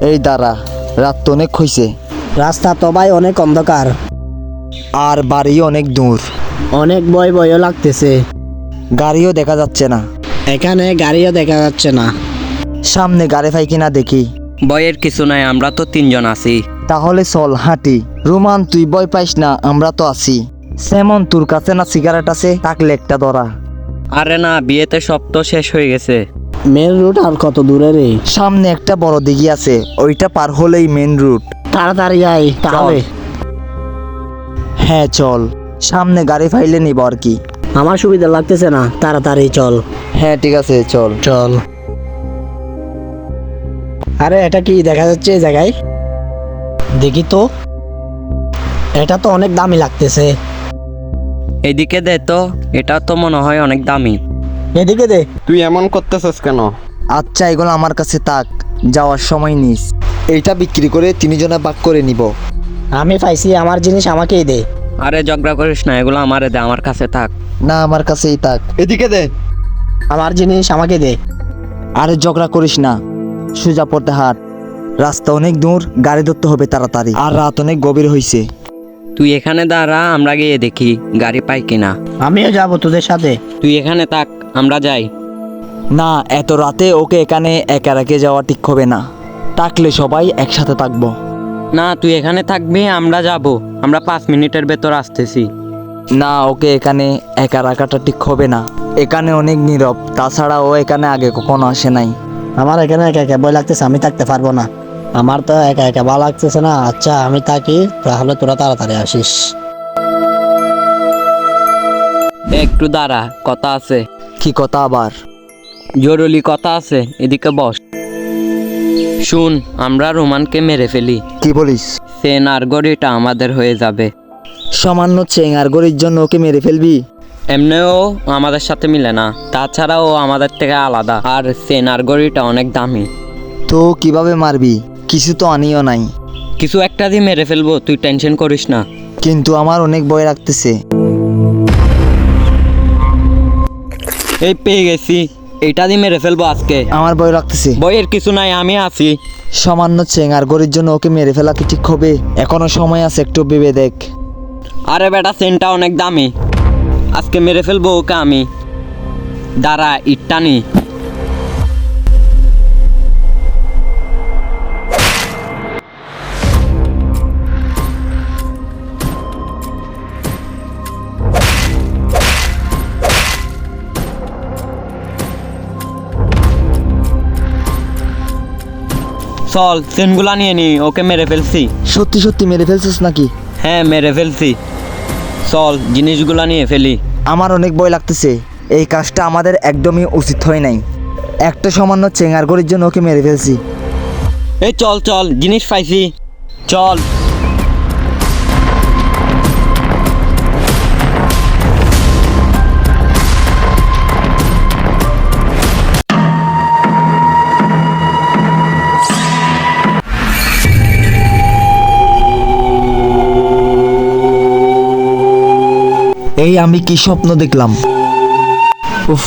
এই দাঁড়া, রাত তো অনেক হইছে, রাস্তা তো ভাই অনেক অন্ধকার, আর বাড়ি অনেক দূর, অনেক ভয়ও লাগতেছে। গাড়িও দেখা যাচ্ছে না, এখানে গাড়িও দেখা যাচ্ছে না। সামনে গাড়ি পাই কিনা দেখি। ভয়ের কিছু নাই, আমরা তো 3 জন আছি। তাহলে চল হাঁটি। রোমান তুই ভয় পাইস না, আমরা তো আছি। সেমন তোর কাছে না সিগারেট আছে? থাকলে একটা ধরা। আরে না, বিয়েতে সব তো শেষ হয়ে গেছে। মেন রুট আর কত দূরে রে? সামনে একটা বড় দিঘি আছে, ওইটা পার হলেই মেন রুট। তাড়াতাড়ি আয় তাহলে। হ্যাঁ চল, সামনে গাড়ি ফাইলে নিব আর কি। আমার সুবিধা লাগতেছে না, তাড়াতাড়ি চল। হ্যাঁ ঠিক আছে চল। চল। আরে এটা কি দেখা যাচ্ছে এই জায়গায়? দেখি তো, এটা তো অনেক দামি লাগতেছে। এদিকে দে তো, এটা তো মনে হয় অনেক দামি। এদিকে দে। তুই এমন করতেছিস কেন? আচ্ছা এগুলো আমার কাছে থাক, যাওয়ার সময় নিস। এইটা বিক্রি করে 3 জনে ভাগ করে নিব। আমি পাইছি, আমার জিনিস আমাকেই দে। আরে ঝগড়া করিস না, এগুলো আমারে দে, আমার কাছে থাক। না আমার কাছেই থাক। এদিকে দে। আমার জিনিস আমাকে দে। আরে ঝগড়া করিস না, সোজা পড়তে হাট। রাস্তা অনেক দূর, গাড়ি ধরতে হবে তাড়াতাড়ি, আর রাত অনেক গভীর হয়েছে। তুই এখানে দাঁড়া, আমরা গিয়ে দেখি গাড়ি পাই কিনা। আমিও যাব তোদের সাথে। তুই এখানে থাক, আমরা যাই। না এত রাতে ওকে এখানে একা রেখে যাওয়া ঠিক হবে না, থাকলে সবাই একসাথে থাকবো। না তুই এখানে থাকবি, আমরা যাব। আমরা 5 মিনিটের ভেতর আসতেছি। না ওকে এখানে একা রাখাটা ঠিক হবে না, এখানে অনেক নীরব, তাছাড়া ও এখানে আগে কখনো আসে নাই। আমার এখানে একা একা ভয় লাগতেছে, আমি থাকতে পারবো না। আমার তো একা একা ভালো লাগতেছে না। আচ্ছা আমি থাকি, তাহলে তোরা তাড়াতাড়ি আসিস। একটু দাঁড়া, কথা আছে। কি কথা আবার? জরুরি কথা আছে, এদিকে বস। শুন, আমরা রোমানকে মেরে ফেলি, কি বলিস? সেন আর গড়িটা আমাদের হয়ে যাবে। সামান্য চেঙ্গার গড়ির জন্য ওকে মেরে ফেলবি? এমনিও আমাদের সাথে মিলে না, তাছাড়া ও আমাদের থেকে আলাদা, আর সেন আর গড়িটা অনেক দামি। তো কিভাবে মারবি? কিছু তো আনিও নাই। কিছু একটা দিয়ে মেরে ফেলবো, তুই টেনশন করিস না। কিন্তু আমার অনেক ভয় লাগতেছে। এই পেয়ে গেছি, এইটা দিয়ে মেরে ফেলবো আজকে। আমার ভয় লাগতেছে। বইয়ের কিছু নাই, আমি আছি। সামান্য চেঙ্গার গড়ির জন্য ওকে মেরে ফেলা কি ঠিক হবে? এখনো সময় আছে, একটু ভেবে দেখ। আরে বেটা, সেনটা অনেক দামি, আজকে মেরে ফেলবো ওকে আমি। দাঁড়া, ইটটা নি। চল, সেনগুলা নিয়ে নি, ওকে মেরে ফেলছি। সত্যি সত্যি মেরে ফেলছিস নাকি? হ্যাঁ মেরে ফেলছি। চল, জিনিসগুলা নিয়ে ফেলি। আমার অনেক ভয় লাগতেছে, এই কাজটা আমাদের একদমই উচিত হয় নাই। একটা সামান্য চেঙ্গার গড়ির জন্য ওকে মেরে ফেলছি। এই চল চল, জিনিস পাইছি, চল। এই আমি কি স্বপ্ন দেখলাম? উফ,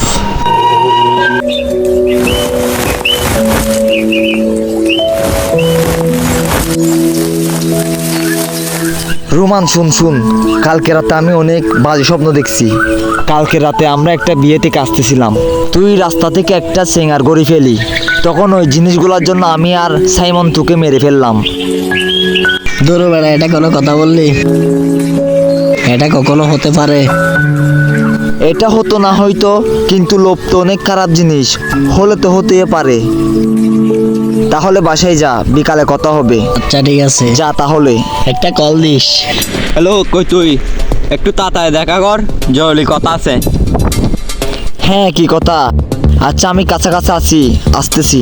রোমান শুন শুন, কালকে রাতে আমি অনেক বাজে স্বপ্ন দেখছি। কালকে রাতে আমরা একটা বিয়ে থেকে আসতেছিলাম, তুই রাস্তা থেকে একটা চেঙ্গার গড়ি ফেলি, তখন ওই জিনিসগুলোর জন্য আমি আর সাইমন তোকে মেরে ফেললাম। দূর বেড়া, এটা কোনো কথা বললি? এটা কখনো হতে পারে? এটা হতো না হয়তো, কিন্তু লোভ তো অনেক খারাপ জিনিস, হলে তো হতেই পারে। তাহলে বাসায় যা, বিকালে কথা হবে। আচ্ছা ঠিক আছে, যা তাহলে। একটা কল দিস। হ্যালো, কই তুই? একটু তাড়াতাড়ি দেখা কর, জরুরি কথা আছে। হ্যাঁ কি কথা? আচ্ছা আমি কাছাকাছি আছি, আসতেছি।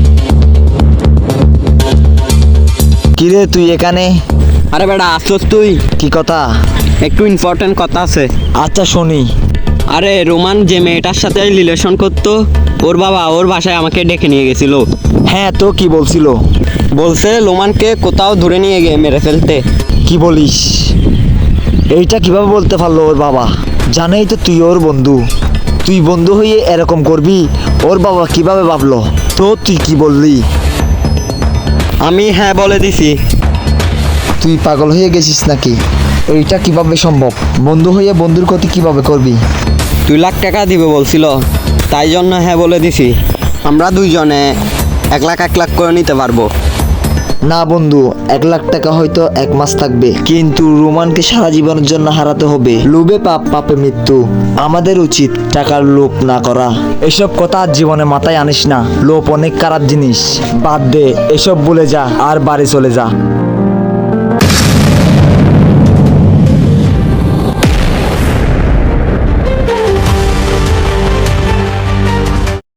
কিরে তুই এখানে? আরে বেটা, আসছস তুই? কি কথা? একটু ইম্পর্টেন্ট কথা আছে। আচ্ছা শুনি। আরে রোমান যে মেয়েটার সাথে রিলেশন করতো, ওর বাবা ওর বাসায় আমাকে ডেকে নিয়ে গেছিল। হ্যাঁ তো কি বলছিল? বলছে রোমানকে কোথাও ধরে নিয়ে গিয়ে মেরে ফেলতে। কি বলিস? এইটা কিভাবে বলতে পারলো ওর বাবা? জানেই তো তুই ওর বন্ধু, তুই বন্ধু হয়ে এরকম করবি, ওর বাবা কিভাবে ভাবলো? তো তুই কি বললি? আমি হ্যাঁ বলে দিছি। তুই পাগল হয়ে গেছিস নাকি? এইটা কিভাবে সম্ভব? বন্ধু হয়ে বন্ধুর ক্ষতি কিভাবে করবি? 2 লাখ টাকা দিবে বলছিল, তাই জন্য হ্যাঁ বলে দিছি। আমরা দুইজনে 1 লাখ 1 লাখ করে নিতে পারবো। না বন্ধু, 1 লাখ টাকা হয়তো 1 মাস থাকবে, কিন্তু রোমানকে সারা জীবনের জন্য হারাতে হবে। লোভে পাপ, পাপে মৃত্যু। আমাদের উচিত টাকার লোভ না করা। এসব কথা আর জীবনে মাথায় আনিস না। লোভ অনেক খারাপ জিনিস। বাদ দে, এসব ভুলে যা আর বাড়ি চলে যা।